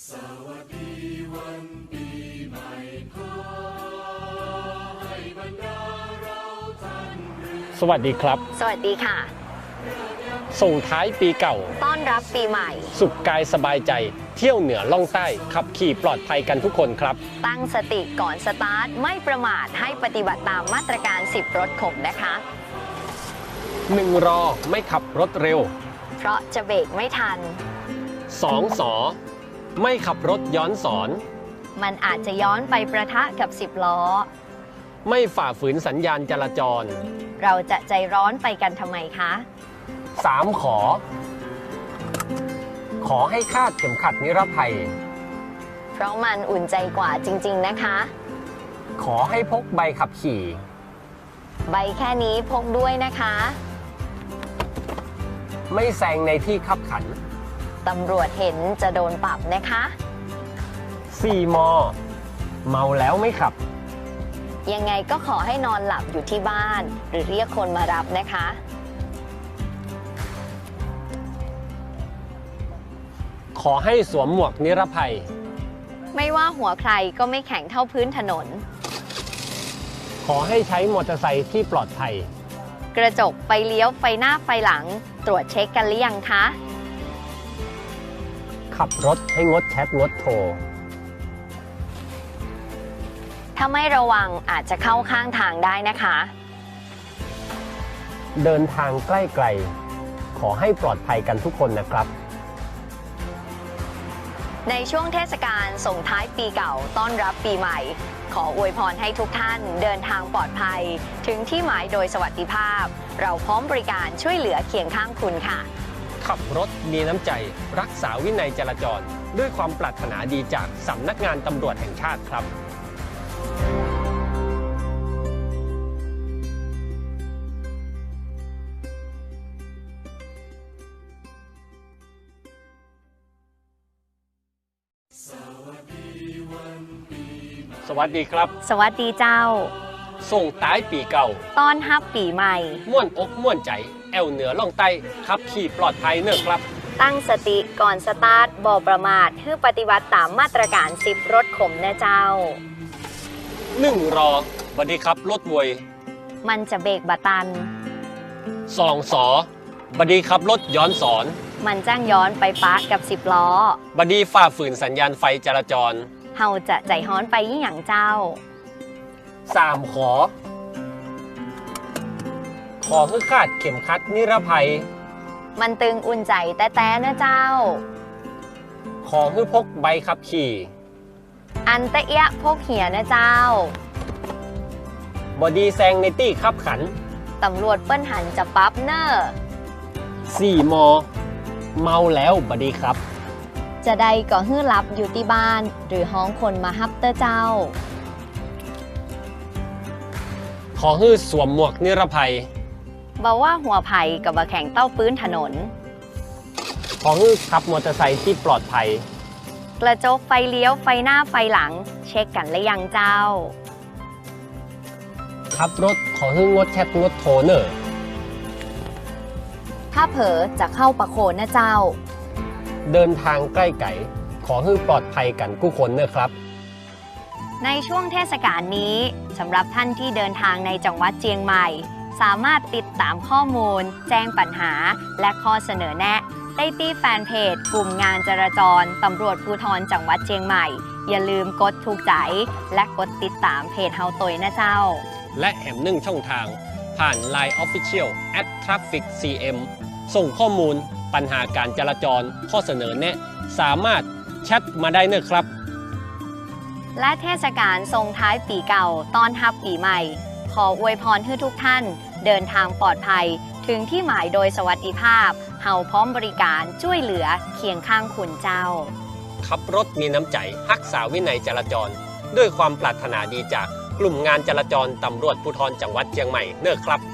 สวัสดีวันปีใหม่ขอให้บรรดาเราท่านสวัสดีครับสวัสดีค่ะส่งท้ายปีเก่าต้อนรับปีใหม่สุขกายสบายใจเที่ยวเหนือล่องใต้ขับขี่ปลอดภัยกันทุกคนครับตั้งสติก่อนสตาร์ทไม่ประมาทให้ปฏิบัติตามมาตรการ10รถขมนะคะ 1รอไม่ขับรถเร็วเพราะจะเบรกไม่ทัน 2สอไม่ขับรถย้อนสอนมันอาจจะย้อนไปประทะกับ10ล้อไม่ฝ่าฝืนสัญญาณจราจรเราจะใจร้อนไปกันทำไมคะ 3ขอให้คาดเข็มขัดนิรภัยเพราะมันอุ่นใจกว่าจริงๆนะคะขอให้พกใบขับขี่ใบแค่นี้พกด้วยนะคะไม่แซงในที่คับขันตำรวจเห็นจะโดนปรับนะคะ 4มเมาแล้วไม่ขับยังไงก็ขอให้นอนหลับอยู่ที่บ้านหรือเรียกคนมารับนะคะขอให้สวมหมวกนิรภัยไม่ว่าหัวใครก็ไม่แข็งเท่าพื้นถนนขอให้ใช้มอเตอร์ไซค์ที่ปลอดภัยกระจกไฟเลี้ยวไฟหน้าไฟหลังตรวจเช็คกันหรือยังคะขับรถให้งดแชทงดโทรถ้าไม่ระวังอาจจะเข้าข้างทางได้นะคะเดินทางใกล้ไกลขอให้ปลอดภัยกันทุกคนนะครับในช่วงเทศกาลส่งท้ายปีเก่าต้อนรับปีใหม่ขออวยพรให้ทุกท่านเดินทางปลอดภัยถึงที่หมายโดยสวัสดิภาพเราพร้อมบริการช่วยเหลือเคียงข้างคุณค่ะขับรถมีน้ำใจรักษาวินัยจราจรด้วยความปรารถนาดีจากสำนักงานตำรวจแห่งชาติครับสวัสดีครับสวัสดีเจ้าส่งท้ายปีเก่าต้อนรับปีใหม่ม่วนอกม่วนใจแอวเหนือล่องใต้ขับขี่ปลอดภัยเนอะครับตั้งสติก่อนสตาร์ทบ่ประมาทเพื่อปฏิบัติตามมาตรการ10รถขมนะเจ้า 1รอบัดดีครับรถวยมันจะเบรกบะตัน 2สอบัดดีครับรถย้อนสอนมันจ้างย้อนไปปะกับ10ล้อบัดดีฝ่าฝืนสัญญาณไฟจราจรเฮาจะใจฮ้อนไปยี่หยังเจ้า 3ขอให้คาดเข็มขัดนิรภัยมันตึงอุ่นใจแต่นะเจ้าขอให้พกใบขับขี่อันตะเอียพกเหียนะเจ้าบอดีแซงในตี้ขับขันตำรวจเปิ้นหันจะปั๊บเนอร์ 4มเมาแล้วบอดีครับจะได้ก็ฮื้อรับอยู่ที่บ้านหรือห้องคนมาฮับเตอร์เจ้าขอฮื้อสวมหมวกนิรภัยบอกว่าหัวไผ่กับบะแข่งเต้าปื้นถนนขอฮื้อขับมอเตอร์ไซค์ที่ปลอดภัยกระจกไฟเลี้ยวไฟหน้าไฟหลังเช็คกันหรือยังเจ้าขับรถขอฮื้องดแชทงดโทรเนอร์ถ้าเผลอจะเข้าประโคนนะเจ้าเดินทางใกล้ไก่ขอให้ปลอดภัยกันทุกคนเนอะครับในช่วงเทศกาลนี้สำหรับท่านที่เดินทางในจังหวัดเชียงใหม่สามารถติดตามข้อมูลแจ้งปัญหาและข้อเสนอแนะได้ที่แฟนเพจกลุ่มงานจราจรตำรวจภูธรจังหวัดเชียงใหม่อย่าลืมกดถูกใจและกดติดตามเพจเฮาตยนะเจ้าและแหม1ช่องทางผ่าน Line Official @trafficcm ส่งข้อมูลปัญหาการจราจรข้อเสนอแนะสามารถแชทมาได้เนอะครับและเทศกาลส่งท้ายปีเก่าต้อนรับปีใหม่ขออวยพรให้ทุกท่านเดินทางปลอดภัยถึงที่หมายโดยสวัสดิภาพเฮาพร้อมบริการช่วยเหลือเคียงข้างคุณเจ้าขับรถมีน้ำใจรักษาวินัยจราจรด้วยความปรารถนาดีจากกลุ่มงานจราจรตำรวจภูธรจังหวัดเชียงใหม่เนอะครับ